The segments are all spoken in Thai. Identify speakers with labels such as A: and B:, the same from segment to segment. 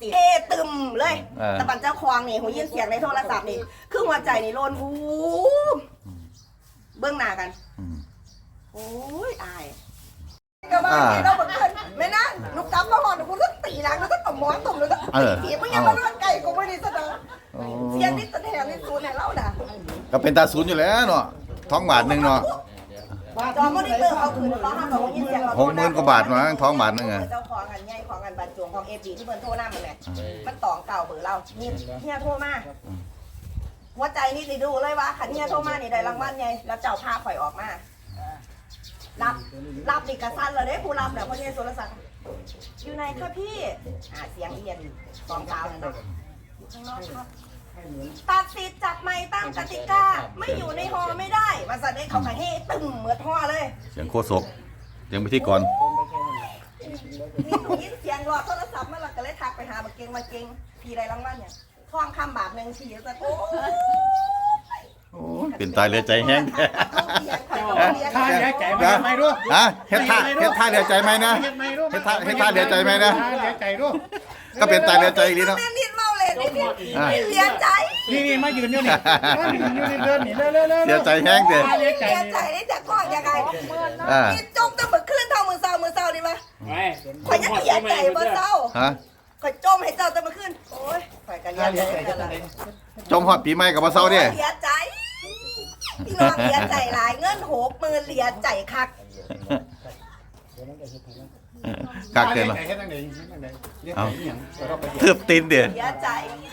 A: สิเอตึมเลยแต่บันเจ้าควงนี่หูยินเสียงในโทรศัพท์นี่คือหัวใจนี่โลนหูเบื้องหน้ากันโอ้ยอายก็มาเราบอกเพื่อนไม่นะลูกจับมาหอนกูต้องตีหลังแล้วก็ตบหมอนตบเลยก็ตีมึงยังมาเรื่องไก่กูไม่ได้แสดงเสียงนี่แสดงนี่ซูนให้เราด่า
B: ก็เป็นตาศูนย์อยู่แล้วเนาะท้องบาทหนึ่งเนาะ
A: จอมอนิเตอร์เขาคืนเขาห้ามบอกว่ายินเสียง
B: 60,000 กว่าบาทมาท้องบาทนึงไง
A: เจ้าของกันใหญ่ของกันบัตรจวงของเอจีที่เพิ่นโทรหน้ามันแหละมันตองเก่าเบอร์เราเนี่ยโทรมาหัวใจนี่สิดูเลยว่าขันเนี่ยโทรมานี่ได้รางวัลไงแล้วเจ้าพาข่อยออกมารับดิกระสันเลยเด้ผู้รับเนี่ยพ่อเนี่ยโทรศัพท์อยู่ไหนคะพี่เสียงเอียนสองสาวเลยนะอยู่ข้างนอกครับตัดสิทธิ์จับไม้ตั้งกติกาไม่อยู่ในฮอไม่ได้มาสั่นให้เขาขายให้ตึมเหมือนฮอเลย
B: เสียงโคศกเสียงพิธีกร
A: นี่หนูยินเสียงรอโทรศัพท์มาหลักก็เลยทักไปหามาเก่งพี่ได้รางวัลเนี่ยทองคำบาทหนึ่งทีจะ
B: โอ้เป็นตายเหลือใจแห้ง
C: ท่าเหลือใจไหมรู้
B: เฮ็ดท่าเหลือใจไหมนะเฮ็ดท่าเหลือใจไหมนะ
C: เหลือใจรู้
B: ก็เป็นตายเหลือใจอีกเนาะ
A: นิดเมาเลยเหลือใจ
C: นี่มายืนอยู่นี่เดินนี่เร็ว
B: เสียใจแห้งเลย
A: เหลือใจนี่จะก้อนยังไงนี่จมตั้งแต่ขึ้นเท่ามือเศร้านี่มั้ยข่อยยังเหลือใจมือเศร้าข่อยจมให้เจ้าจะมาขึ้นโอ้ยข่อยกันเหลือใจ
B: จมฮอดปีใหม่กับบ่เซาเด้
A: เหลือใจพี่น้องเหลือใจหลายเงิน60,000เหลือใจคัก
B: กักเกินเหรอเทือบตีนเดี๋ยว
A: เหลือใจ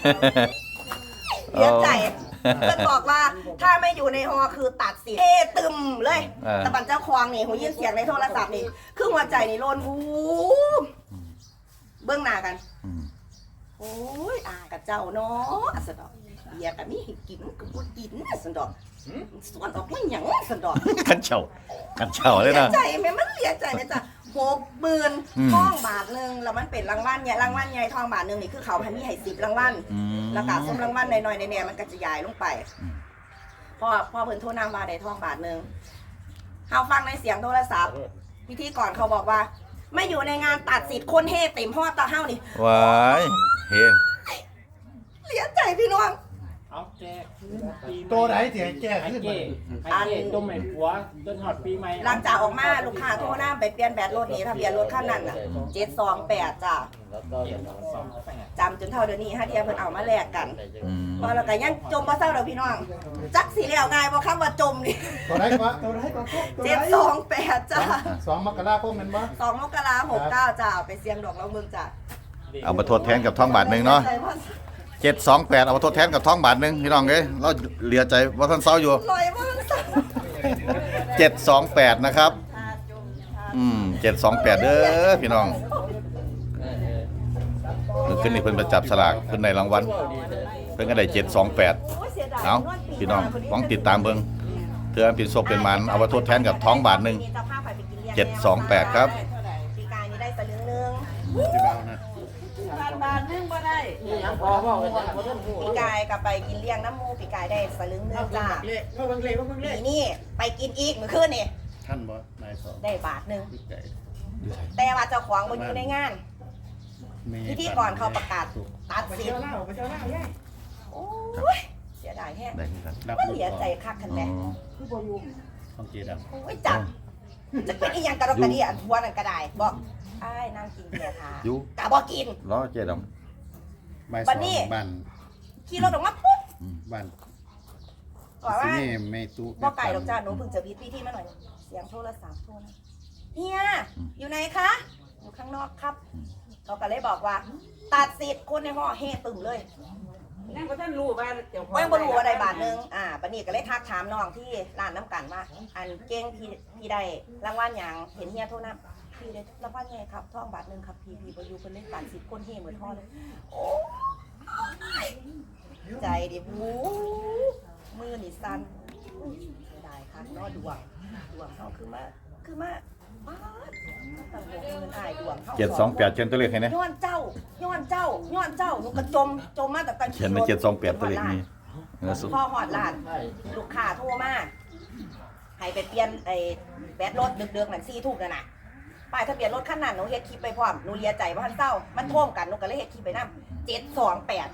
A: เพื่อนบอกว่าถ้าไม่อยู่ในฮอคือตัดสิเอตึมเลยแต่บันเจ้าควงนี่หูยินเสียงในโทรศัพท์นี่คือหัวใจนี่โลนหูเบื้องหน้ากันโอ้ยกับเจ้าเนาะสะดอกเบียร์กับนี่กินกับกูกินสะดอกส่วนออกไม่หยังสะดอก
B: กันเฉาเลยนะ
A: ใจแม่มันเหลียใจไหมจ๊ะ60,000ทองบาทนึงแล้วมันเป็นรางวัลใหญ่ทองบาทนึงนี่คือเขาให้มีให้10รางวัลแล้วก็ส้มรางวัลหน่อยๆในมันก็จะย้ายลงไปพอเพิ่นโทรนำว่าได้ทองบาทนึงเฮาฟังในเสียงโทรศัพท์พิธีก่อนเขาบอกว่าไม่อยู่ในงานตัดสิทธิ์คนเฮเต็มฮอดตาเฮานี่
B: ว้ายเฮ็ด
A: เหลียใจพี่น้อง
C: เอาแก้ตัวไหนเสียแก้ขึ้นอันต้มใหม่หัวต้นหอดปีใหม่
A: หลังจากออกมาลูกค้าโทรหน้าไปเปลี่ยนแบตรถนี้ทะเบียนรถคันนั้นน่ะ728จ้ะจำจนเท่าเดี๋ยวนี้ฮะเทียเพิ่นเอามาแลกกันพอแล้วก็ยังจมบ่เศร้าดอกพี่น้องจักสิแล้วง่ายบ่คำว่าจมนี่
C: ตัวไหนก็
A: 728จ้ะ
C: 2 มกราคมแม่นบ่
A: 2 มกราคม69จ้ะไปเสี่ยงดอกลองเบิ่งจ้ะ
B: เอามาทดแทนกับท้องบาทนึงเนาะ728เอามาทดแทนกับท้องบาทนึงพี่น้องเอ้ยเราเหลือใจว่าท่านเศร้าอยู่728นะครับ728เด้อพี่น้องขึ้นนี่เพิ่นประจับสลากเพิ่นในรางวัลเพิ่นก็ได้728เอาพี่น้องต้องติดตามเบิ่งเถื่อเป็นศพเป็นมันเอามาทดแทนกับท้องบาทนึง728ครับ
A: ปีกายนี้ได้สลึงนึง
D: บาทนึงบ่ได้ยังพอ
A: ปีกายกับไปกินเลี้ยงน้ำมูปีกายได้สลึงนึงจ้านี่ไปกินอีกเมื่อคืนนี่
C: ท่านบ่นายสอ
A: ได้บาทนึงแต่ว่าเจ้าของบ่อยู่ในงานพิธีก่อนเขาประกาศตัดสิทธิ์โอ้ยเสียดายแห้งมันเหลียใจคักคันแม่
C: คือบ่อยู่ต้องเจด
A: โอ้ยจับจะเป็นอีหยังกระดกกระเดี่ยทัวนั่นก็ได้บอกอ้ายนั่งกินเบียร์ทากะบ่กิน
B: ล้อเจด
A: บัดนี้ขี่รถออกมาปุ๊บ
C: บ้าน
A: บอกว่าบ่ไก่ดอกจ้าหนูเพิ่งจะพิธีมาหน่อยเสียงโทรศัพท์โทรนะเฮียอยู่ไหนคะอยู่ข้างนอกครับเขาก็เลยบอกว่าตัดสิทธิ์คนในห้อเฮตึมเลย
D: นั่นก็ท่านรู้ว่า
A: เดี๋ยวไม่รู้ว่าได้บาทนึงปนี้ก็เลยทักถามน้องที่ร้านน้ำกันว่าอันเก่งพี่ได้รางวัลอย่างเห็นเฮียโทรนะพี่ได้รางวัลไงครับท่องบาทนึงครับพี่ประยูเป็นเล่นตัดสิทธิ์คนเฮเหมือนท่อเลยโอ้ใจดิบูมือนี่สั่นได้ค่ะนอดวงเขาคือมา
B: 728เขียนตัวเลขให้นะ
A: ย้อนเจ้าหนูก็จมมาแต่ตอน
B: เขียนใน728ตัวเลขนี้
A: พ่อหอดหลานลูกค้าโทรมาให้ไปเปลี่ยนไอ้แบตรถดึกๆนั่น4 ทุ่มนั่นน่ะป้ายทะเบียนรถคันนั้นหนูเฮ็ดคลิปไปพร้อมหนูเลียใจว่าทันเศร้ามันท่วมกันหนูก็เลยเฮ็ดคลิปไปนำ728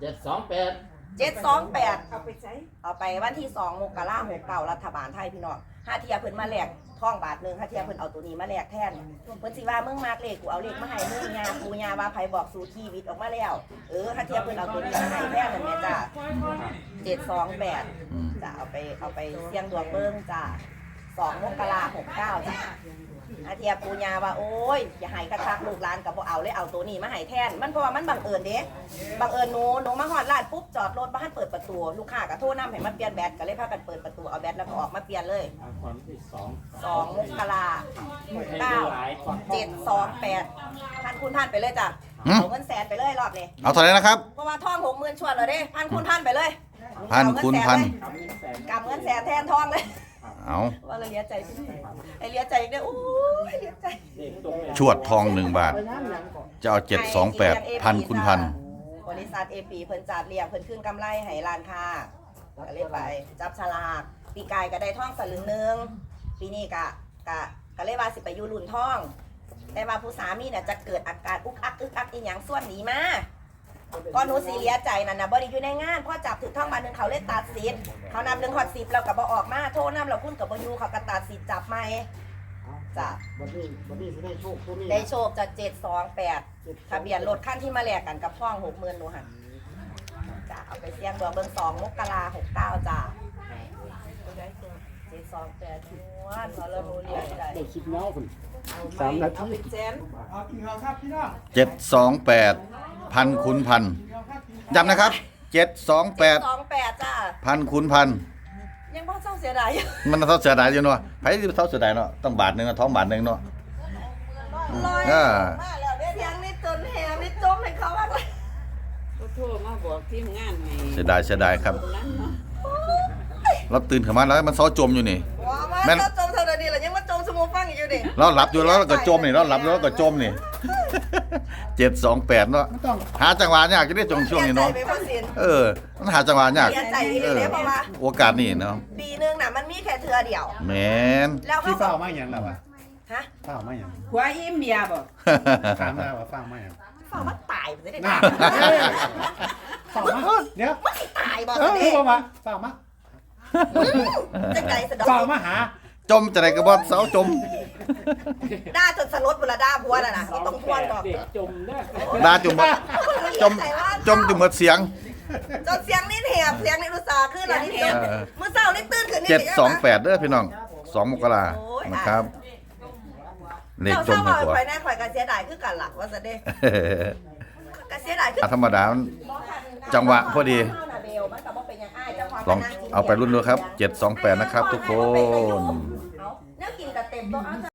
A: 728
D: เอาไปใช้
A: เอาไปวันที่2มกราคม69รัฐบาลไทยพี่น้องห้าเทียเพิ่นมาแลกทองบาทนึงห้าเทียเพิ่นเอาตัวนี้มาแลกแทนเพิ่นสิว่ามึงมากเลขกูเอาเลขมาให้มึงยาปูยาว่าไผบอกสู่ชีวิตออกมาแล้วห้าเทียเพิ่นเอาตัวนี้มาให้แทนนั่นแม่จ้า728จะเอาไปเสี่ยงดวงเบิ่งจ้า2มกราคม69จ้าอาเทียปูญาว่าโอ้ยอย่าให้คักๆลูกหลานกับบ่เอาเลยเอาตัวนี้มาให้แทนมันเพราะว่ามันบังเอิญเด้บังเอิญหนูมาฮอดร้านปุ๊บจอดรถบ่ทันเปิดประตูลูกค้าก็โทรนำให้มาเปลี่ยนแบตก็เลยพากันเปิดประตูเอาแบตแล้วก็ออกมาเปลี่ยนเลย
C: ความที่
A: 2
C: 2
A: มกราคม728พันคูณพันไปเลยจ้ะเอาเงินแสนไปเลยรอบนี้
B: เอาเท่าไหร่นะครับ
A: เพราะว่าทอง60,000ชวนแล้วเด้พันคูณพันไปเลย
B: พันคูณพัน
A: กำเงินแสนแทนทองเลย
B: เอา
A: ว่าเราเลียใจพี่ไอเลียใจอีกเนี่ยโอ้ยเลียใจ
B: ชวดทอง1 บาท จะเอา728พันคูณพัน
A: บริษัทเอปีเพิ่นจัดเรียงเพิ่นขึ้นกำไรให้ร้านค้าก็เลยไปจับฉลากปีกายก็ได้ท่องสลึงหนึงปีนี้ก็เลยว่าสิไปอยู่รุ่นท่อง แต่ว่าผู้สามีเนี่ยจะเกิดอาการอุกอักอีหยังส่วนหนีมาก็หนูสีเลียใจนั่นนะบ่ได้อยู่ในงานพอจับถึงท่องมานึงเขาเลยตัดสิทธิ์เขานำ1 ฮอด 10เราก็บ่ออกมาโทษนำเราคุ้นกับบ่อยู่เขาก็ตัดสิทธิ์จับใหม่จ้ะ
C: วันนี้สิได้โชคตัวนี้
A: ได้โชคจาก728ทะเบียนรถคันที่มาแลกกันกับท่อง 60,000หนูหั่นจ้ะเอาไปเสี่ยงดวงเบิ่ง2 มกราคม69จ้ะ728ชวนเขาเราเรียนได้
C: ได้คลิปแล้วคุณ3 นา
D: เอา
C: ที
D: ไปแสน
B: 728พันคูณพันย้ำนะครับ728
A: 728จ้ะ
B: พันคูณพัน
A: ยังบ่เศร้าเสียดายอยู่
B: มันเท่าเสียดายอยู่เนาะไผสิเท่าเสียดายเนาะต้องบาทหนึงท้องบาทหนึงเนาะ
A: ลอย
B: อ่า
A: มาแล้วเด้เสียงนี่จนแหมนี่จมให้เขาว่า
D: ก็โทรมาบอกทีมงานให้
B: เสียดายครับ
D: นั้นเนาะ
B: เราตื่นขึ้นมาแล้วมันเซาจมอยู่นี่
A: ว้ามา
B: แม่น
A: เราจมเท่านี้แล้วยังมาจมสมุฟังอีกอยู่ดิ
B: เราหลับอยู่แล้วเราก็จมนี่เราหลับแล้วเราก็จมนี่728เนาะหาจังหวะยากจะได้จงช่วงนี้เนาะ
A: สียใจไปบ่สิน
B: มันหาจังหวะยาก
A: เสียใจอีหลีเด้เพราะว่า
B: โอกาสนี่เนาะ
A: ปีนึงน่ะมันมีแค่เทื่อเดียว
B: แม่น
A: แล้วเขา
C: ที่
A: ก็
C: เฝ้ามาอย่างแล้ววะ
A: ฮะ
C: เฝ้ามาอย่าง
D: หัวอิ่มเบียร์บ่
C: ถามได้ว่าเฝ้ามาอย่าง
A: ฝ่าว่าตายบ่ได้
C: น่า เฝ้ามาเดี๋ยว
A: ตายบ่
C: เอ
A: ซะ
C: อ
A: เด้
C: เฝ้ามาเฝ้ามา
A: จังได๋สะดอก
C: เฝ้ามาหา
B: จมจะได้ก็บ่เซาจม
A: ด่าจนสลดพุ่นละด่าผัวน่ะนะบ่ต้องทวนดอก
C: เด็กจมได้
B: ดาจมบ่จมจมจนหมดเสียง
A: จนเสียงนี่แหบเสียงนี่อุตส่าห์ขึ้นแล้วนี่จมมื้อเช้านี่ตื่นขึ้นนี่
B: 728เด้อพี่น้อง2 มกราคมนะครับเลขจมให้
A: ให้
B: ตัว
A: ข่อยแน่ข่อยก็เสียดายคือกันล่ะว่าซะเด้ก็เสียดายคือ
B: ธรรมดามันจังหวะพอดี ลองเอาไปรุ่นดูครับ728นะครับทุกคน
A: เนี่ยกินกับเต็มโต๊ะ